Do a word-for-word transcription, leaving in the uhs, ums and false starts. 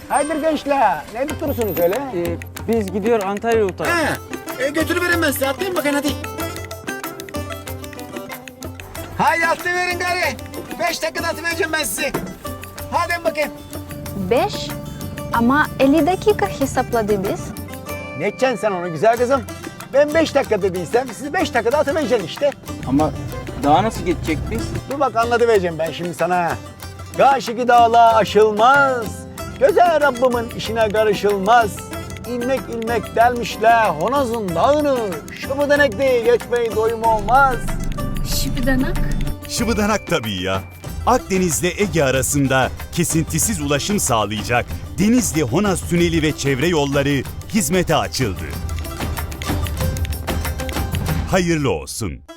Haydi gençler, ne tutursunuz öyle? Ee, biz gidiyor Antalya Uta. He, e, götürüverin ben size, atlayın bakın hadi. Haydi atlayıverin gari. Beş dakikada atıvereceğim ben sizi. Hadi bakayım. Beş ama elli dakika hesapladı biz. Ne edeceksin sen onu güzel kızım? Ben beş dakika dediysem sizi beş dakikada atıvereceğim işte. Ama daha nasıl geçecek biz? Dur bak anlatıvereceğim ben şimdi sana. Karşıki dağla aşılmaz. Göze Rabbimin işine karışılmaz. İlmek ilmek delmişler Honoz'un dağını. Şu denekte geçmeyi doyum olmaz. Şipidanak. Şıbıdanak tabii ya. Akdeniz'le Ege arasında kesintisiz ulaşım sağlayacak Denizli-Honaz Tüneli ve çevre yolları hizmete açıldı. Hayırlı olsun.